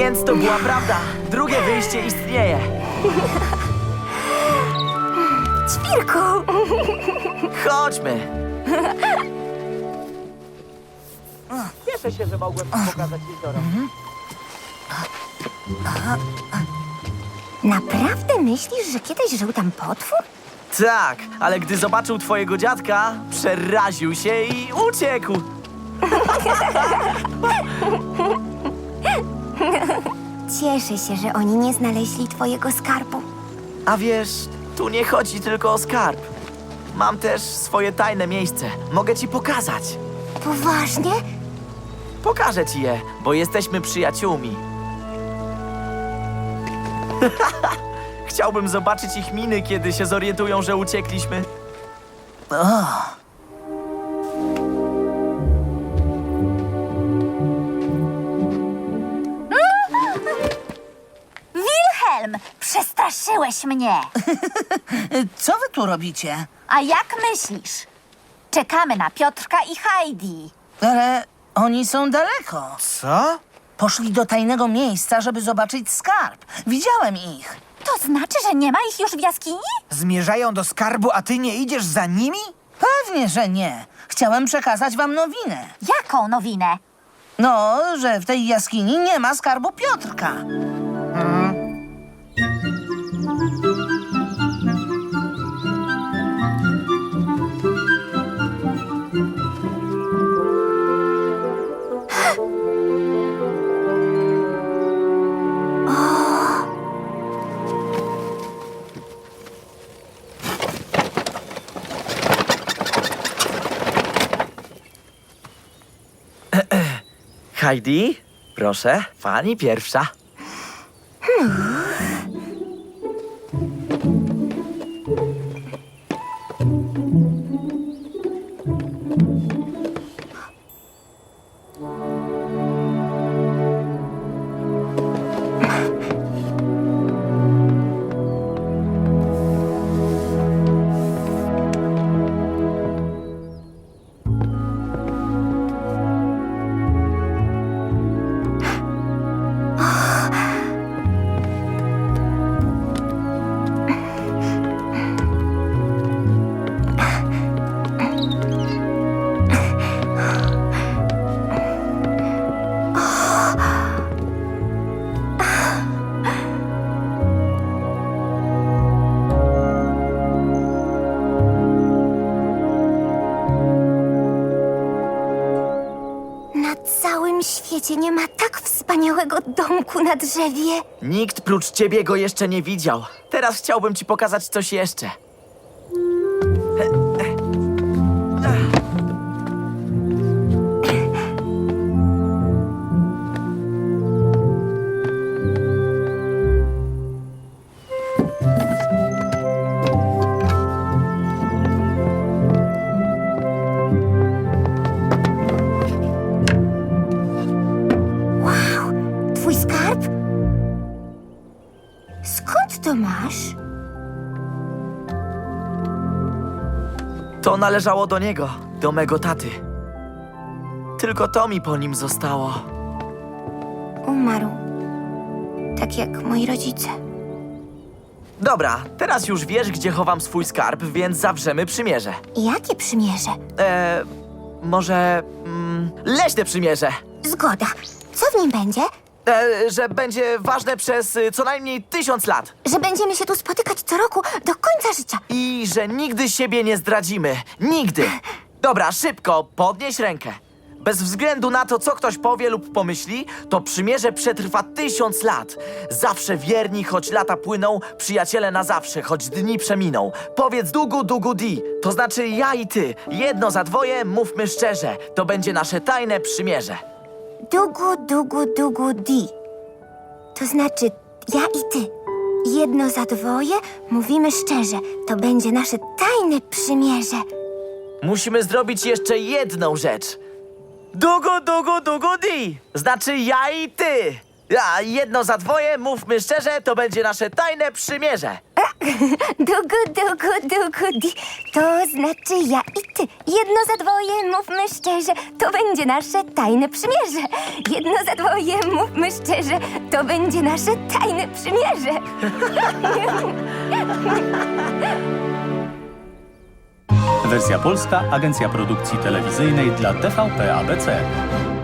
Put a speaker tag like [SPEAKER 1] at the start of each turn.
[SPEAKER 1] Więc to była prawda. Drugie wyjście istnieje.
[SPEAKER 2] Ćwirku!
[SPEAKER 1] Chodźmy. Cieszę się, że mogłem pokazać jezioro.
[SPEAKER 2] Naprawdę myślisz, że kiedyś żył tam potwór?
[SPEAKER 1] Tak, ale gdy zobaczył twojego dziadka, przeraził się i uciekł.
[SPEAKER 2] Cieszę się, że oni nie znaleźli twojego skarbu.
[SPEAKER 1] A wiesz, tu nie chodzi tylko o skarb. Mam też swoje tajne miejsce. Mogę ci pokazać.
[SPEAKER 2] Poważnie?
[SPEAKER 1] Pokażę ci je, bo jesteśmy przyjaciółmi. Chciałbym zobaczyć ich miny, kiedy się zorientują, że uciekliśmy.
[SPEAKER 3] Wilhelm, przestraszyłeś mnie.
[SPEAKER 4] Co wy tu robicie?
[SPEAKER 3] A jak myślisz? Czekamy na Piotrka i Heidi.
[SPEAKER 4] Ale oni są daleko.
[SPEAKER 5] Co?
[SPEAKER 4] Poszli do tajnego miejsca, żeby zobaczyć skarb. Widziałem ich.
[SPEAKER 3] To znaczy, że nie ma ich już w jaskini?
[SPEAKER 5] Zmierzają do skarbu, a ty nie idziesz za nimi?
[SPEAKER 4] Pewnie, że nie. Chciałem przekazać wam nowinę.
[SPEAKER 3] Jaką nowinę?
[SPEAKER 4] No, że w tej jaskini nie ma skarbu Piotrka.
[SPEAKER 1] Heidi, proszę, pani pierwsza.
[SPEAKER 2] Na całym świecie nie ma tak wspaniałego domku na drzewie.
[SPEAKER 1] Nikt prócz ciebie go jeszcze nie widział. Teraz chciałbym ci pokazać coś jeszcze.
[SPEAKER 2] Wow, twój skarb? Skąd to masz?
[SPEAKER 1] To należało do niego, do mego taty. Tylko to mi po nim zostało.
[SPEAKER 2] Umarł. Tak jak moi rodzice.
[SPEAKER 1] Dobra, teraz już wiesz, gdzie chowam swój skarb, więc zawrzemy przymierze.
[SPEAKER 2] Jakie przymierze?
[SPEAKER 1] Może leśne przymierze.
[SPEAKER 2] Zgoda. Co w nim będzie?
[SPEAKER 1] Że będzie ważne przez co najmniej 1000 lat.
[SPEAKER 2] Że będziemy się tu spotykać co roku do końca życia.
[SPEAKER 1] I że nigdy siebie nie zdradzimy. Nigdy. Dobra, szybko, podnieś rękę. Bez względu na to, co ktoś powie lub pomyśli, to przymierze przetrwa 1000 lat. Zawsze wierni, choć lata płyną, przyjaciele na zawsze, choć dni przeminą. Powiedz dugu, dugu, di. To znaczy ja i ty. Jedno za dwoje, mówmy szczerze. To będzie nasze tajne przymierze.
[SPEAKER 2] Dugu, dugu, dugu, di. To znaczy ja i ty. Jedno za dwoje, mówimy szczerze. To będzie nasze tajne przymierze.
[SPEAKER 1] Musimy zrobić jeszcze jedną rzecz. Dugu, dugu, dugu, di. Znaczy ja i ty. A jedno za dwoje, mówmy szczerze, to będzie nasze tajne przymierze.
[SPEAKER 2] Di. To znaczy ja i ty. Jedno za dwoje, mówmy szczerze, to będzie nasze tajne przymierze. Jedno za dwoje, mówmy szczerze, to będzie nasze tajne przymierze.
[SPEAKER 6] Wersja polska, Agencja Produkcji Telewizyjnej dla TVP ABC.